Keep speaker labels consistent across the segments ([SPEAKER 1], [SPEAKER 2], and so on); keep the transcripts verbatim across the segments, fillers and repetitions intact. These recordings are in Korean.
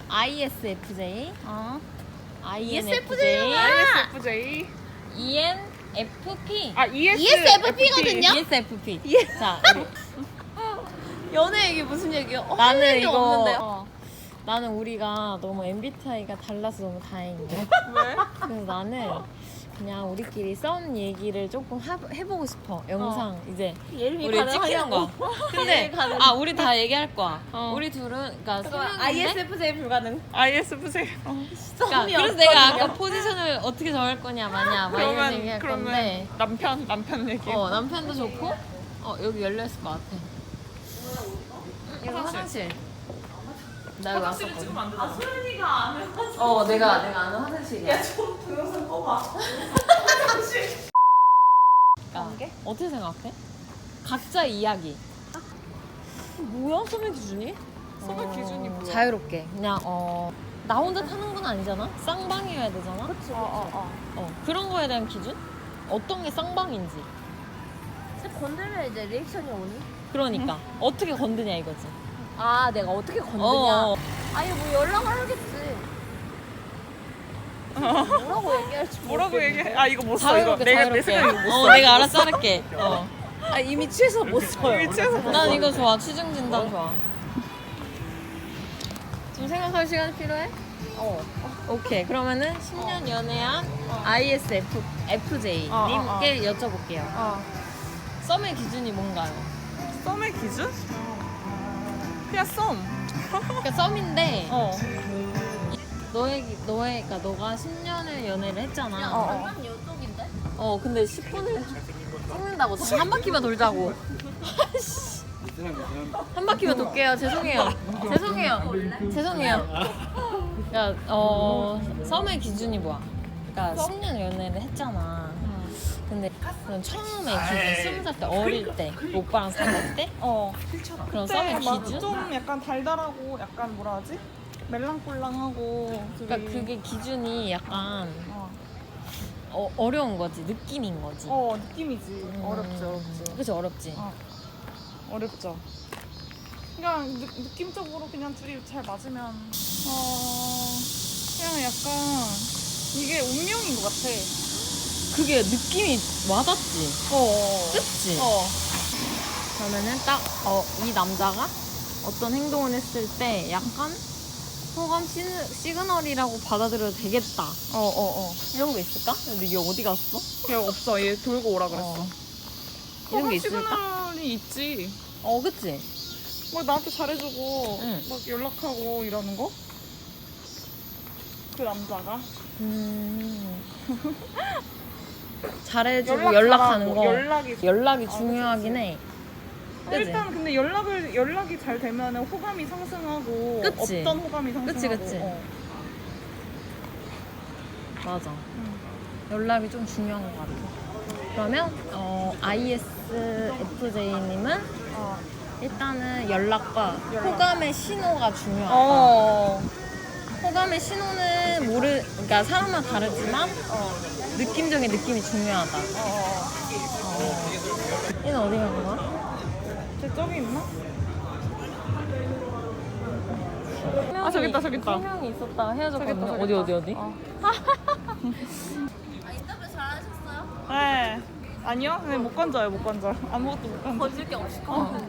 [SPEAKER 1] 아이에스에프제이,
[SPEAKER 2] 어.
[SPEAKER 1] 아이엔에프제이,
[SPEAKER 2] 아이에스에프제이.
[SPEAKER 1] 이엔에프피.
[SPEAKER 2] 아 이에스
[SPEAKER 3] 이에스에프피거든요?
[SPEAKER 1] 이에스에프피. 자, 우리.
[SPEAKER 3] 연애 얘기 무슨 얘기야? 어,
[SPEAKER 1] 나는
[SPEAKER 3] 할 얘기
[SPEAKER 1] 이거
[SPEAKER 3] 없는데요?
[SPEAKER 1] 어, 나는 우리가 너무 엠비티아이가 달라서 너무 다행인데.
[SPEAKER 2] 왜?
[SPEAKER 1] 그래서 나는 그냥 우리끼리 썬 얘기를 조금 하, 해보고 싶어. 영상 이제
[SPEAKER 3] 예림이
[SPEAKER 1] 우리 찍히는 거. 근데
[SPEAKER 3] 예림이 가능.
[SPEAKER 1] 아 우리 다 얘기할 거야.
[SPEAKER 2] 어.
[SPEAKER 1] 우리 둘은 그러니까 세
[SPEAKER 3] 잠깐만,
[SPEAKER 1] 명인데.
[SPEAKER 3] 아이에스에프제이 불가능.
[SPEAKER 2] 아이에스에프제이. 어.
[SPEAKER 1] 그러니까 그래서 내가 아까 포지션을 어떻게 정할 거냐 마냐 막 이런
[SPEAKER 2] 그러면
[SPEAKER 1] 얘기할
[SPEAKER 2] 그러면
[SPEAKER 1] 건데.
[SPEAKER 2] 남편 남편 얘기.
[SPEAKER 1] 어 남편도 좋고. 어 여기 열려 있을 것 같아. 이거 화장실. 나 여기 왔었거든.
[SPEAKER 2] 안 되나?
[SPEAKER 3] 소연이가 안 해.
[SPEAKER 1] 어 내가 내가 아는 화장실이야.
[SPEAKER 3] 좀 동영상 꺼봐.
[SPEAKER 1] 그러니까 어떻게 생각해? 각자 이야기. 뭐야 소매 기준이?
[SPEAKER 2] 소매 기준이 뭐야?
[SPEAKER 1] 자유롭게 그냥 어 나 혼자 타는 건 아니잖아. 쌍방이어야 되잖아.
[SPEAKER 3] 그치,
[SPEAKER 2] 어, 어,
[SPEAKER 1] 어 그런 거에 대한 기준? 어떤 게 쌍방인지.
[SPEAKER 3] 근데 건들면 이제 리액션이 오니?
[SPEAKER 1] 그러니까 어떻게 건드냐 이거지.
[SPEAKER 3] 아, 내가 어떻게 건드냐?
[SPEAKER 1] 어.
[SPEAKER 3] 아니, 뭐 연락을 하겠지. 뭐라고 얘기할지
[SPEAKER 2] 뭐라고
[SPEAKER 3] 모르겠는데.
[SPEAKER 2] 얘기해? 아 이거 못 써. 이거
[SPEAKER 1] 자유롭게
[SPEAKER 2] 내가 내
[SPEAKER 1] 자유롭게.
[SPEAKER 2] 생각에 이거 못 써.
[SPEAKER 1] 어 내가 알아서 할게. 어.
[SPEAKER 3] 아, 이미 취해서 못 써요.
[SPEAKER 2] 이미 취해서 못
[SPEAKER 1] 난
[SPEAKER 2] 써.
[SPEAKER 1] 이거 좋아. 취중 진단 좋아. 좀 생각할 시간이 필요해?
[SPEAKER 3] 어.
[SPEAKER 1] 오케이. 그러면은 십 년 연애한 아이에스에프제이
[SPEAKER 2] 어, 어,
[SPEAKER 1] 님께 여쭤볼게요.
[SPEAKER 2] 어.
[SPEAKER 1] 썸의 기준이 뭔가요?
[SPEAKER 2] 썸의 기준? 그냥 썸.
[SPEAKER 1] 그러니까 썸인데
[SPEAKER 2] 어.
[SPEAKER 1] 너의 기- 너의 그러니까 너가 십 년을 연애를 했잖아.
[SPEAKER 3] 어,
[SPEAKER 1] 어,
[SPEAKER 3] 완전 요쪽인데?
[SPEAKER 1] 근데 십 분을 찍는다고 지금 한 바퀴만 돌자고. 한 바퀴만 돌게요. 죄송해요. 죄송해요. 죄송해요. 그러니까 어 썸의 기준이 뭐야? 그러니까 십 년 연애를 했잖아. 근데 그럼 처음에 기준 스무 살 때 어릴 때 오빠랑 사귈 때
[SPEAKER 2] 어.
[SPEAKER 1] 그런
[SPEAKER 2] 그때
[SPEAKER 1] 썸의
[SPEAKER 2] 막
[SPEAKER 1] 기준?
[SPEAKER 2] 좀 약간 달달하고 약간 뭐라 하지? 멜랑꼴랑하고. 둘이.
[SPEAKER 1] 그러니까 그게 기준이 약간
[SPEAKER 2] 어.
[SPEAKER 1] 어, 어려운 거지. 느낌인 거지.
[SPEAKER 2] 어 느낌이지.
[SPEAKER 1] 음.
[SPEAKER 2] 어렵지 어렵지.
[SPEAKER 1] 그치 어렵지.
[SPEAKER 2] 어. 어렵죠. 그냥 느, 느낌적으로 그냥 둘이 잘 맞으면 어 그냥 약간 이게 운명인 것 같아.
[SPEAKER 1] 그게 느낌이 와닿지.
[SPEAKER 2] 어.
[SPEAKER 1] 그치?
[SPEAKER 2] 어.
[SPEAKER 1] 그러면은 딱 어 이 남자가 어떤 행동을 했을 때 약간 호감 시느, 시그널이라고 받아들여도 되겠다.
[SPEAKER 2] 어, 어, 어.
[SPEAKER 1] 이런 거 있을까? 근데 얘 어디 갔어?
[SPEAKER 2] 그냥 없어. 얘 돌고 오라 그랬어.
[SPEAKER 1] 어. 이런 게
[SPEAKER 2] 호감
[SPEAKER 1] 있을까?
[SPEAKER 2] 시그널이 있지.
[SPEAKER 1] 어, 그치?
[SPEAKER 2] 막 나한테 잘해주고
[SPEAKER 1] 응.
[SPEAKER 2] 막 연락하고 이러는 거? 그 남자가
[SPEAKER 1] 음. 잘해주고
[SPEAKER 2] 연락
[SPEAKER 1] 연락하는
[SPEAKER 2] 잘하고,
[SPEAKER 1] 거.
[SPEAKER 2] 연락이
[SPEAKER 1] 연락이
[SPEAKER 2] 아,
[SPEAKER 1] 중요하긴 해. 그치?
[SPEAKER 2] 일단 근데 연락을 연락이 잘 되면 호감이 상승하고
[SPEAKER 1] 그치?
[SPEAKER 2] 없던 호감이 상승하고
[SPEAKER 1] 그치, 그치.
[SPEAKER 2] 어.
[SPEAKER 1] 맞아.
[SPEAKER 2] 응.
[SPEAKER 1] 연락이 좀 중요한 것 같아. 그러면 어, 아이에스에프제이님은
[SPEAKER 2] 어.
[SPEAKER 1] 일단은 연락과
[SPEAKER 2] 연락.
[SPEAKER 1] 호감의 신호가 중요하다.
[SPEAKER 2] 어.
[SPEAKER 1] 호감의 신호는 모르, 그러니까 사람마다 다르지만
[SPEAKER 2] 어.
[SPEAKER 1] 느낌적인 느낌이 중요하다.
[SPEAKER 2] 어.
[SPEAKER 1] 어. 얘는 어디 간 거야?
[SPEAKER 2] 쟤 저기 있나?
[SPEAKER 1] 아
[SPEAKER 2] 저기 있다, 저기 있다.
[SPEAKER 1] 세 명이 있었다 헤어졌거든요.
[SPEAKER 2] 저기 있다,
[SPEAKER 1] 어디
[SPEAKER 2] 저기
[SPEAKER 1] 어디 어디?
[SPEAKER 2] 어.
[SPEAKER 3] 아, 인터뷰 잘하셨어요?
[SPEAKER 2] 네. 아니요? 네, 못 건져요, 못 건져. 아무것도 못 건져.
[SPEAKER 3] 건질 게 없을 것 같은데.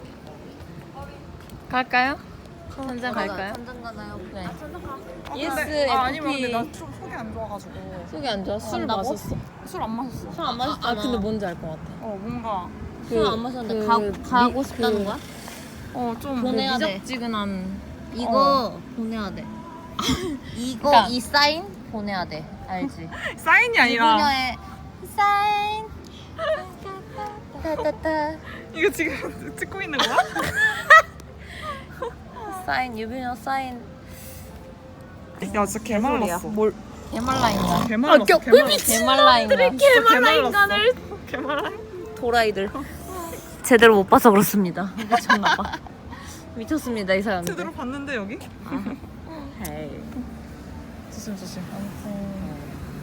[SPEAKER 1] 갈까요? 현장 갈까요?
[SPEAKER 3] 전장 가나요?
[SPEAKER 1] 네.
[SPEAKER 3] 아, 전장 가.
[SPEAKER 2] 아,
[SPEAKER 1] 예스,
[SPEAKER 2] 근데, 아, 아니면 근데
[SPEAKER 1] 에프피.
[SPEAKER 2] 나 좀 속이 안 좋아가지고.
[SPEAKER 1] 속이 안 좋아? 술
[SPEAKER 3] 간다고?
[SPEAKER 1] 마셨어.
[SPEAKER 2] 술 안 마셨어.
[SPEAKER 3] 술 안 마셨잖아.
[SPEAKER 1] 아 근데 뭔지 알 것 같아.
[SPEAKER 2] 어, 뭔가.
[SPEAKER 3] 술 안 마셨는데 가, 가고 싶다는 거야?
[SPEAKER 2] 어, 좀.
[SPEAKER 3] 보내- 보내야 돼.
[SPEAKER 1] 미적지근한.
[SPEAKER 3] 이거 보내야 돼. 이거
[SPEAKER 1] 그러니까-
[SPEAKER 3] 이 사인 보내야 돼. 알지?
[SPEAKER 2] 사인이 아니라.
[SPEAKER 3] 유부녀의 사인. 따따따.
[SPEAKER 2] 이거 지금 찍고 있는 거야?
[SPEAKER 3] 사인 유부녀 사인.
[SPEAKER 2] 야, 진짜 개말랐어.
[SPEAKER 1] 뭘? 개말라인가?
[SPEAKER 2] 개말랐어.
[SPEAKER 3] 겨-
[SPEAKER 2] 개말랐어.
[SPEAKER 1] 개말라인가?
[SPEAKER 2] 개말라 인간을. 개말라.
[SPEAKER 3] 도라이들. 제대로 못 봐서 그렇습니다.
[SPEAKER 1] 미쳤나 봐. 미쳤습니다 이 사람들.
[SPEAKER 2] 제대로 봤는데 여기?
[SPEAKER 1] 헤이.
[SPEAKER 2] 조심 조심.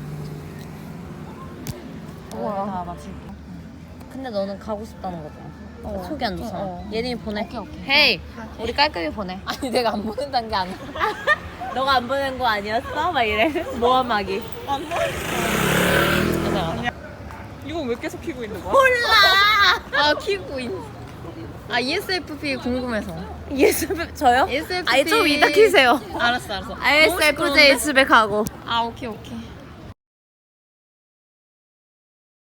[SPEAKER 1] 우와. 다 맞출게.
[SPEAKER 3] 근데 너는 가고 싶다는 거잖아.
[SPEAKER 1] 어.
[SPEAKER 3] 속이 안 좋잖아.
[SPEAKER 1] 어, 어.
[SPEAKER 3] 예림이 보내.
[SPEAKER 1] 오케이, 오케이.
[SPEAKER 3] 헤이, 우리 깔끔히 보내.
[SPEAKER 1] 아니 내가 안 보낸다는 게 아니라.
[SPEAKER 3] 너가 안 보낸 거 아니었어? 막 이래. 모함하기.
[SPEAKER 2] 안 봐?
[SPEAKER 1] 맞아 맞아.
[SPEAKER 2] 이거 왜 계속 키고 있는 거야?
[SPEAKER 1] 아 키고 있. 아 이에스에프피 궁금해서.
[SPEAKER 3] 예습 저요?
[SPEAKER 1] 이에스에프피.
[SPEAKER 3] 아예 좀 이따 키세요.
[SPEAKER 1] 알았어 알았어.
[SPEAKER 3] 아이에스에프제이 집에 가고.
[SPEAKER 1] 아 오케이 오케이.